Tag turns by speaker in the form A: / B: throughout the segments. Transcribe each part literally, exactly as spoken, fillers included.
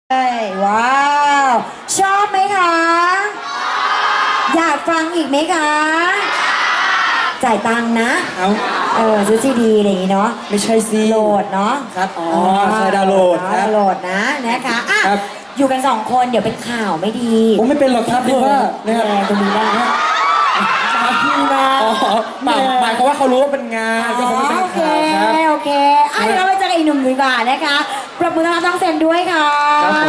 A: ว้าวชอบไหมคะอยากฟังอีกไหมคะจ่ายตังค์นะ
B: เอา
A: เออซื้อซีดีอะไรอย่างงี้เนาะ
B: ไม่ใช่สิ
A: โหลดเนาะ
B: ครับอ๋อใช่ดาวน์โหลดครับ
A: ดาวน์โหลดนะนะคะอ่ะ
B: ครับ
A: อยู่กันสองคนเดี๋ยวเป็นข่าวไม่ดี
B: ผมไม่เป็นหรอกครับพี่ว่านะครับ
A: แรงตรงนี้ได้นะพี่นะ
B: อ๋อหมายหมายความว่าเขารู้ว่าเป็นงานก็คงไม่เป็น
A: โอเค
B: ข่าวครับ
A: โอเคอ่ะเดี๋ยวเราไปเจอกันอีกหนุ่มดีกว่านะคะปรบมือต้อนรับน้องเซนด้วยค่ะ
B: ครับผม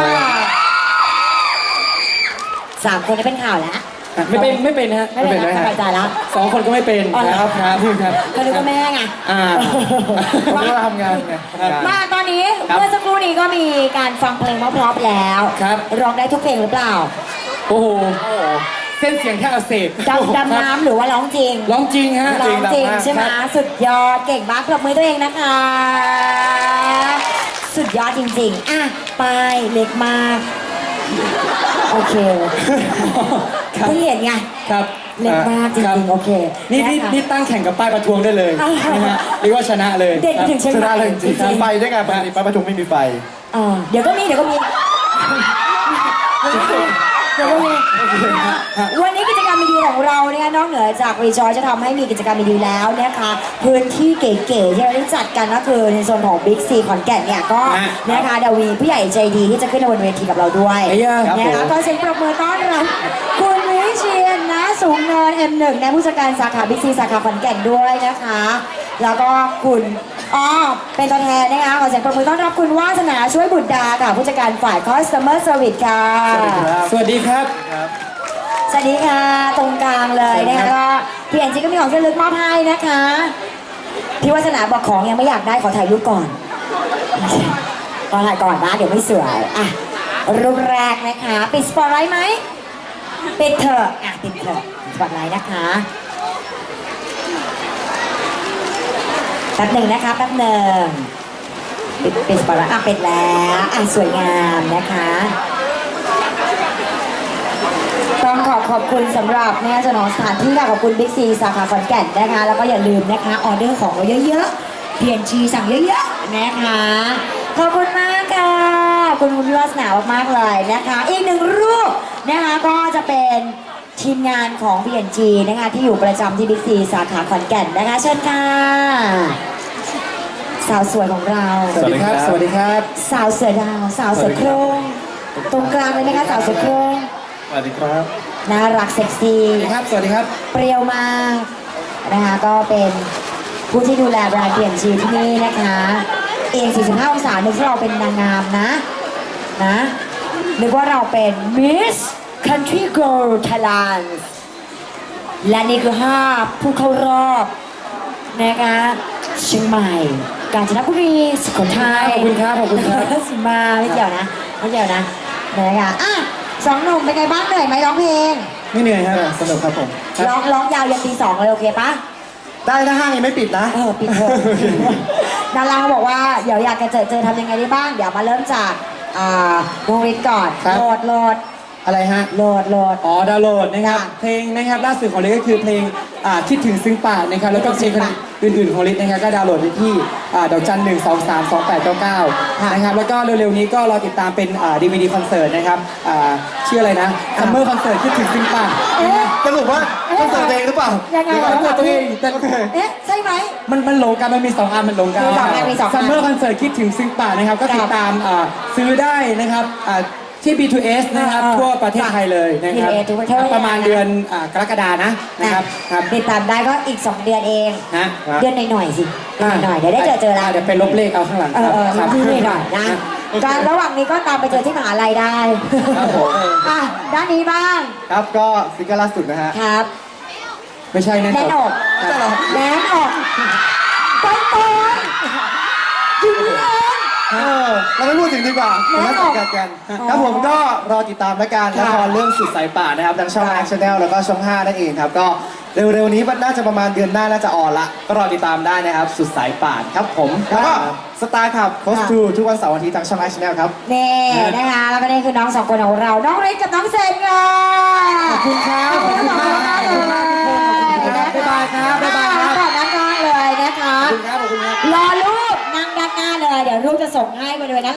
A: สามคนนี้เป็นข่าวแล้ว
B: ไม่เป็นไม่เป็นฮะ
A: ไม่เป็นนะสบายใจแล้ว
B: สองคนก็ไม่เป็น
A: อ๋อเหรอ
B: ครับครับครับ
A: เขานึกว่าแม่ไง
B: อ่าผมก็ทำงานไงครับ
A: มาตอนนี้
B: ครับ
A: เมื่อสักครู่นี้ก็มีการฟังเพลงเพราะๆแล้ว
B: ครับ
A: ร้องได้ทุกเพลงหรือเปล่า
B: โอ้โหเส้นเสียงแค่อักเสบ
A: ดำดำน้ำหรือว่าร้องจริง
B: ร้องจริงฮะ
A: ร้องจริงใช่ไหม
B: ครับ
A: สุดยอดเก่งมากปรบมือตัวเองนะคะ สุดยอดจริงๆอ่ะไปายเล็กมาก โอเค
B: ครับ
A: เพิ่งเห็นไง
B: ครับ
A: เล็กมากจ
B: คบ
A: ริงๆโอเค
B: นี่นี่
A: ะคะ
B: นี่ตั้งแข่งกับป้ายประท้วงได้เลย
A: อ่า
B: นะฮะเรียกว่าชนะเลย
A: เด็ดไปถึงเชียงใหม่
C: ชนะเลยจริง
A: จริงๆ
C: ๆไฟได้ไงปกติป้าประทุมไม่มีไฟ
A: เออเดี๋ยวก็มีเดี๋ยวก็มีเดี๋ยวก็มีวันนี้กิจกรรมดีๆของเราเนี่ยนอกเหนือจากรีจอยจะทำให้มีกิจกรรมดีๆแล้วนะคะพื้นที่เก๋ๆที่เราได้จัดกันก็คือในโซนของบิ๊กซีขอนแก่นเนี่ยก็
B: ฮะ
A: นะคะเดยวมีผู้ใหญ่ใจดีที่จะขึ้นมาบนเวทีกับเราด้วย
B: ไอ้ย่าครับ
A: นะคะ
B: ผม
A: ก็เสียงปรบมือต้อนรับคุณวิเชียนนะสูงเนิน เอ็ม หนึ่ง ในผู้จัดการสาขาบิ๊กซีสาขาขอนแก่นด้วยนะคะ แล้วก็คุณอ๋อเป็นตัวแทนนะคะขอเสียงปรบมือต้อนรับคุณวาสนาช่วยบุตรดาค่ะผู้จัดการฝ่าย Customer Service ค่ะ
B: สวัสดีครับ
A: สวัสดีค่ะตรงกลางเลยนะคะก็พี่แอนจีก็มีของที่ระลึกมอบให้นะคะพี่วาสนาบอกของยังไม่อยากได้ขอถ่ายรูปก่อนขอถ่ายก่อนนะเดี๋ยวไม่สวยอ่ะรูปแรกนะคะปิดสปอตไลท์ไหมปิดเถอะอ่ะปิดเถอะสปอตไลท์นะคะแป๊บหนึ่งนะคะแป๊บหนึ่งปิดปิดสปอตไลท์อ่ะปิดแล้วอ่ะสวยงามนะคะต้องขอบขอบคุณสำหรับเนี่ยเจ้าของสถานที่ค่ะขอบคุณบิ๊กซีสาขาขอนแก่นนะคะแล้วก็อย่าลืมนะคะออเดอร์ของเราเยอะๆเปลี่ยนชีสั่งเยอะๆนะคะขอบคุณมากค่ะขอบคุณคุณวาสนามากๆเลยนะคะอีกหนึ่งรูปนะคะก็จะเป็นทีมงานของ พี เอ็น จี นะคะที่อยู่ประจำที่บิ๊กซีสาขาขอนแก่นนะคะเชิญค่ะสาวสวยของเรา
B: สวัสดีครับ สวัสดีครับ
A: สาวเสือดาวสาวเสือโครงตรงกลางเลยนะคะสาวเสือโครง
C: สวัสดีครับ
A: น่ารักเซ็กซี่
B: สวัสดีครับ สวัสดีครับ
A: เปรี้ยวมากนะคะก็เป็นผู้ที่ดูแลแบรนด์เปลี่ยนชีที่นี่นะคะเองสี่สิบห้าองศานึกว่าเราเป็นนางงามนะนะนึกว่าเราเป็น Miss Country Girl Thailand และนี่คือห้าผู้เข้ารอบนะคะเชียงใหม่ กาญจนบุรีสุโขทัย
B: ขอบคุณครับขอบคุณครับ
A: สิมาไม่เกี่ยวนะไม่เกี่ยวนะนะคะอ่ะสองหนุ่มเป็นไงบ้างเหนื่อยไหมร้องเพลง
B: ไม่เหนื่อยครับ
C: สนุกครับผม
A: ร้องร้องยาวยันตีสองเลยโอเคปะ
C: ได้ถ้าห้างยังไม่ปิดนะ
A: เออปิดเถอะ ดาราเขาบอกว่าเดี๋ยวอยากจะเจอเจอทำยังไงได้บ้าง เดี๋ยวมาเริ่มจากอ่าน้องฤทธิ์ก่อน
B: ครับ
A: โหลดโหลด
B: อะไรฮะ
A: โหลดโหลด
B: อ๋อดาวน์โหลดนะครับ
A: ค่ะ
B: เพลงนะครับล่าสุดของลิศก็คือเพลงอ่าคิดถึงซึ้งปากนะครับแล้วก็เพลงอื่นๆของลิศนะครับก็ดาวน์โหลดได้ที่อ่าดอกจันหนึ่งสองสามสองแปดเก้าเก้านะครับแล้วก็เร็วๆนี้ก็รอติดตามเป็นอ่าดีวีดีคอนเสิร์ตนะครับอ่าชื่ออะไรนะซัมเมอร์คอนเสิร์ตคิดถึงซึ้งปาก
A: เอ๊ะ
C: สรุปว่าต้องเสิร์ฟเองหรือเปล่า
A: ยังไง
B: เดี๋ยวก่อนตัวเองแต่
A: เอ๊ะใช่ไหม
B: มันมันหลงกันมันมีสองอันมันหลงกัน
A: มีสองอันมีสองอัน
B: ซัมเมอร์คอนเสิร์ตคิดถึงซึ้งปากนะครับก็ติดตามอ่าซื้อได้นะครับอ่าที่ บี ทู เอส นะครับ
A: เออ
B: ทั่วประเทศไทยเลยนะครับ
A: บี ทู เอส ทั่วประเทศ
B: ประมาณเดือนอ่ากรกฎานะนะครับครับ
A: ติดตามได้ก็อีกสองเดือนเอง
B: ฮะ
A: เดือนหน่อยๆสิเดือนหน่อยๆเดี๋ยวได้เจอเจอแล้ว
B: เดี๋ยวไปลบเลขเอาข้างหลัง
A: เออเออ
B: ครับ
A: ที่นี่หน่อยนะการระหว่างนี้ก็ตามไปเจอที่มหาลัยได้
C: ครับผม
A: อ่ะด้านนี้บ้าง
C: ครับก็ซิงเกิลล่าสุดนะฮะ
A: ครับ
B: ไม่ใช่แน่
A: แน่น
B: น
A: อ
B: อน
A: กแน่นอกต้นต้นอยู่นี่เอง
C: เออเราไม่พูดถึงดีกว่า
A: แน่
C: เรา
A: นอน
C: สังกัดกัน
A: อ๋อ
C: ครับผมก็รอติดตามและกัน
A: ค่ะ
C: ละครเรื่องสุดสายป่านนะครับทางช่อง
A: ค่ะ
C: แอคชั่นแนลแล้วก็ช่องห้านั่นเองครับก็เร็วๆนี้น่าจะประมาณเดือนหน้าน่าจะออนละก็รอติดตามได้นะครับสุดสายป่านครับผมแล้วก็สตาร์ขับโคสตูทุกวันเสาร์อาทิตย์ทางช่องแอคชั่นแนลครับ
A: นี่นะคะแล้วก็นี่คือน้องสองคนของเรา น้องฤทธิ์กับน้องเซนค่ะ
B: ขอบคุณครับ
A: ขอบคุณมาก
B: ขอบคุณมากทุกคนขอบคุณครับบ๊ายบายครับบ๊ายบายครับ
A: ขอบคุณมากเลยนะคะ
B: ขอบคุณครับขอบคุณครับ
A: รอรูปนั่งด้านหน้าเลย เดี๋ยวรูปจะส่งให้บริเวณนั้น